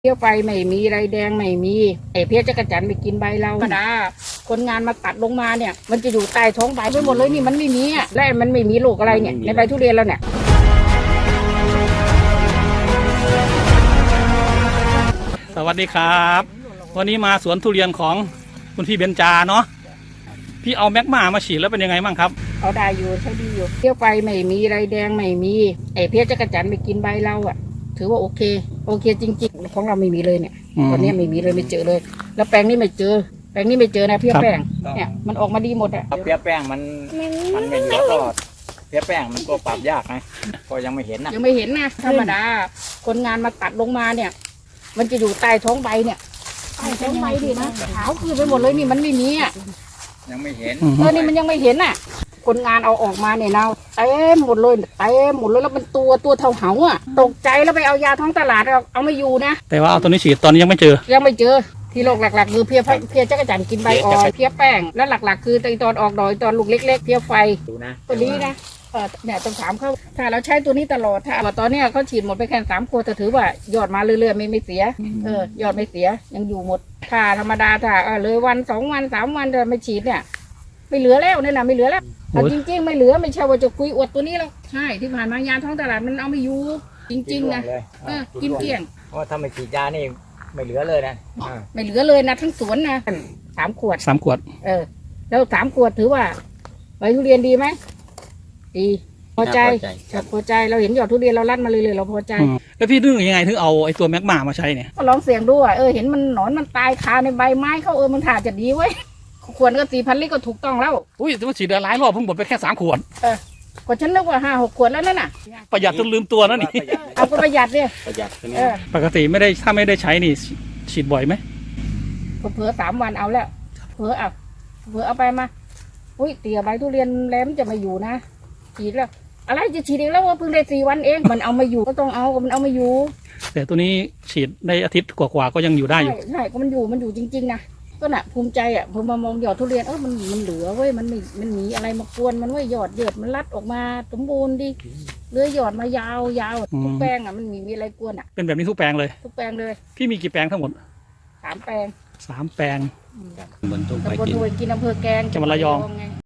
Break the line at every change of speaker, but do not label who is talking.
เที่ยวไปไม่มีไรแดงไม่มีไอ้เพี้ยจักรจันทร์ไปกินใบเราธรรมดาคนงานมาตัดลงมาเนี่ยมันจะอยู่ใต้ท้องใบไปหมดเลยนี่มันไม่มีอ่ะและมันไม่มีโรคอะไรเนี่ยในใบทุเรียนเราเนี่ย
สวัสดีครับวันนี้มาสวนทุเรียนของคุณพี่เบญจาเนาะพี่เอาแมกมาฉีดแล้วเป็นยังไงบ้างครับ
เอาได้อยู่ใช้ดีอยู่เที่ยวไปไม่มีไรแดงไม่มีไอ้เพี้ยจักรจันทร์ไปกินใบเราอ่ะถือว่าโอเคจริงๆของเราไม่มีเลยเนี่ยตอนนี้ไม่มีเลยไม่เจอเลยแล้วแปลงนี้ไม่เจอนะเพี้ยแป้งเนี่ยมันออกมาดีหมดอ่ะ
เพี้ยแป้งมันไม่เหลือก็เพี้ยแป้งมันก็ปรับยากไงก็ยังไม่เห็นนะ
ธรรมดาคนงานมาตัดลงมาเนี่ยมันจะอยู่ใต้ท้องใบเนี่ยใต้ท้องใบดินะขาวขึ้นไปหมดเลยนี่มันไม่มีอ่ะ
ยังไม่เห็น
นี่มันยังไม่เห็นอ่ะคนงานเอาออกมาเนี่ยเราเต็มหมดเลยแล้วมันตัวเท่าเหาอ่ะตกใจแล้วไปเอายาท้องตลาดเอาไม่อยู่นะ
แต่ว่าเอาตัวนี้ฉีดตอนนี้ยังไม่เจอ
ที่โรคหลักๆคือเพี้ยจักรจันทร์กินใบอ่อนเพี้ยแป้งแล้วหลักๆคือตอนออกดอกตอนลูกเล็กๆเพี้ยไฟตัวนี้นะเนี่ยต้องถามเขาถ้าเราใช้ตัวนี้ตลอดถ้าตอนนี้เขาฉีดหมดไปแค่3 ขวดแต่ถือว่ายอดมาเรื่อยๆไม่เสียยอดไม่เสียยังอยู่หมดถ้าธรรมดาถ้าเลยวัน2 วัน3 วันจะไม่ฉีดเนี่ยไม่เหลือแล้วเนี่ยนะไม่เหลือแล้วจริงๆไม่เหลือไม่ใช่ว่าจะคุยอวดตัวนี้แล้วใช่ที่ผ่านมายาท้องตลาดมันเอาไม่อยู่จริงๆนะกินเกลี้ยง
เพราะถ้าไม่ฉีดยานี่ไม่เหลือเลยนะ
ไม่เหลือเลยนะทั้งสวนนะ3 ขวดแล้ว3 ขวดถือว่าใบทุเรียนดีไหมดีพอใจเราเห็นยอดทุเรียนเราลั่นมาเลยเราพอใจ
แล้วพี่นึกยังไงถึงเอาไอ้ตัวแมกมามาใช้เนี่ย
ก็ลองเสี่ยงดูเห็นมันหนอนมันตายคาในใบไม้เขามันถ่าจะดีไว้ขวดก็4,000 ลิตรก็ถูกต้องแล้ว
อุ้ยแต่ว่าฉีดหลายรอบเพิ่งหมดไปแค่3 ขวด
ก็ฉันนึกว่า5-6 ขวดแล้วนั่นน่ะ
ประหยัดจนลืมตัวนั่นนี่
เอาก็ประหยัดเนี่ย
ปกติถ้าไม่ได้ใช้นี่ฉีดบ่อยไหม
เผื่อ3 วันเอาแล้วเผื่อเอาไปมาอุ้ยเตี๋ยใบทุเรียนแล้วมันจะมาอยู่นะฉีดแล้วอะไรจะฉีดเองแล้วว่าเพิ่งได้4 วันเองมันเอามาอยู่ก็ต้องเอามันเอามาอยู่
แต่ตัวนี้ฉีดได้อาทิตย์กว่าก็ยังอยู่ได้อยู่
ใช่ก็มันอยู่จริงๆนะก็น่ะภูมิใจพอมามองยอดทุเรียนมันเหลือเว้ยมันหนีอะไรมากวนมันไว้ยอดมันรัดออกมาสมบูรณ์ดิเลื้อยยอดมายาวทุกแปลงมันมีอะไรกวน
เป็นแบบนี้ทุกแปลงเลยพี่มีกี่แปลงทั้งหมด
3 แปลง
3 แปลง
ตำบลทุ่งไปกินอำเภอแกลง
จังหวัดระยอง